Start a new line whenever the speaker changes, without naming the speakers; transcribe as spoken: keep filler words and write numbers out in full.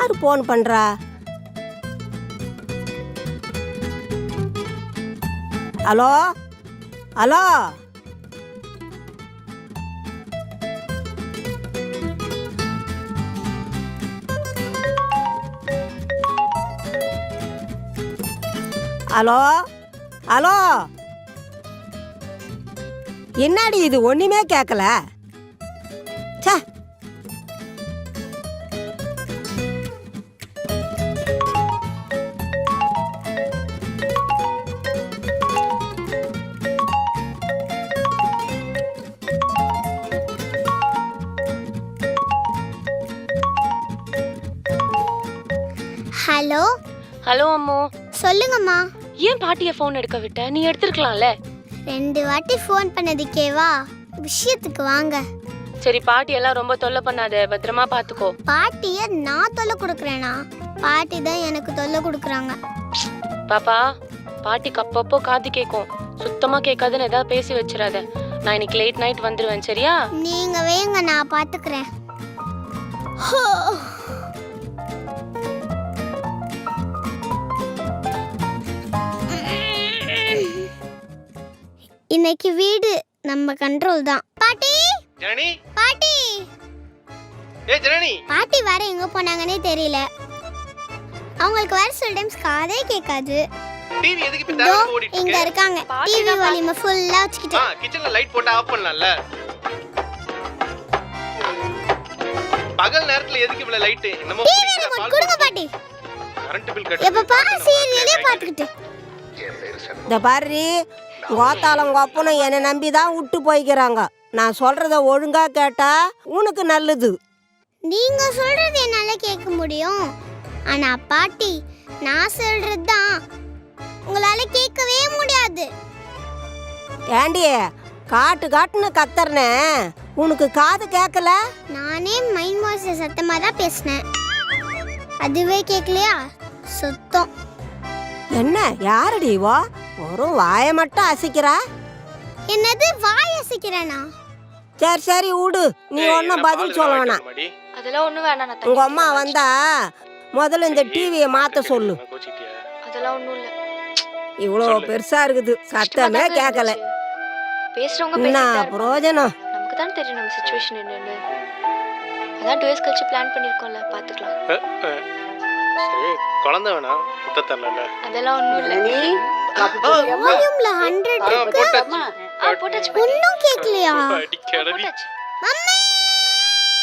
யார் ஃபோன் பண்றா? Hello hello hello hello என்னடி இது ஒண்ணுமே கேட்கல? சே,
ஹலோ
ஹலோ அம்மோ.
சொல்லுங்கம்மா.
ஏன் பாட்டியை ஃபோன் எடுக்க விட்ட? நீ எடுத்துருக்கலாம்ல.
ரெண்டு வாட்டி ஃபோன் பண்ணதுக்கேவா? விஷயத்துக்கு வாங்க.
சரி, பாட்டி எல்லாம் ரொம்ப தொல்லை பண்ணாத, பத்திரமா பாத்துக்கோ.
பாட்டிய நான் தொல்லை கொடுக்குறேனா? பாட்டி தான் எனக்கு தொல்லை கொடுக்குறாங்க.
பாப்பா, பாட்டிக்கு அப்பப்போ காது கேட்கும், சுத்தமா கேட்காதுன்னு ஏதாவது பேசி வச்சிடாத. நான் இன்னைக்கு லேட் நைட் வந்துருவேன், சரியா?
நீங்க வேங்க, நான் பாத்துக்கிறேன். இன்னைக்கு வீடு நம்ம கண்ட்ரோல் தான். பாட்டி
ஜனனி,
பாட்டி
ஏ ஜனனி,
பாட்டி வர எங்க போனாங்கன்னே தெரியல. அவங்களுக்கு வர சில டைம்ஸ் காதே கேட்காது.
டிவி எதுக்கு இப்ப தேவல ஓடிட்டு
இங்க
இருக்கு?
இருக்காங்க. டிவி வால்யூம் ஃபுல்லா வச்சிட்டு.
ஆ, கிச்சன்ல லைட் போட்டு ஆஃப் பண்ணலாம்ல. பகல் நேரத்துல எதுக்கு இவ்வளவு லைட்? என்னமோ
டிவி ரிமோட் கொடுங்க பாட்டி.
கரண்ட் பில் கட்ட.
எப்ப பாரு சீரியலே பாத்துக்கிட்டு.
இந்த பாரு, கோத்தாலம் கோப்பனும் என்னை நம்பி தான் விட்டு போய்க்கிறாங்க. நான் சொல்றத ஒழுங்கா கேட்டா உனக்கு நல்லது.
நீங்க சொல்றது என்னால கேட்க முடியும், ஆனா பாட்டி நான் சொல்றது தான் உங்களால கேட்கவே முடியாது.
ஏண்டி காட்டு காட்டுன்னு கத்தறனே, உனக்கு காது கேட்கல?
நானே மைண்ட் வாய்ஸ் சத்தமா தான் பேசினேன், அதுவே கேட்கலையா? சுத்தம்.
என்ன யாரடி வா? ஒரு வாயை மட்டும் அசைக்கிறா.
என்னது வாய் அசைக்கிறேனா?
சரி சரி விடு, நீ ஒன்றும் பதில் சொல்ல வேணாம்.
அதெல்லாம் ஒண்ணும் வேணாம். நான்
உங்க அம்மா வந்தா முதல்ல இந்த டிவியை மாத்த சொல்லு.
அதெல்லாம் ஒண்ணும் இல்ல.
இவ்வளோ பெருசா இருக்குது, சத்தமே கேட்கல.
பேசுறவங்க
என்ன
பேசிட்டே
பிரயோஜனம்?
நமக்கு தான் தெரியும் நம்ம சிச்சுவேஷன் என்னன்னு. அதான் டூ இயர்ஸ் கழிச்சு பிளான் பண்ணிருக்கோம்ல, பாத்துக்கலாம்.
சரி, குழந்தை வேணா முத்த தரல.
அதெல்லாம் ஒண்ணும் இல்ல.
வால்யூம்ல ஹண்ட்ரட் இருக்கு.
ஆ, போட்டாச்சு.
ஒண்ணும் கேட்கலையா?
அடிக்கடடி.
போட்டாச்சு.
மம்மி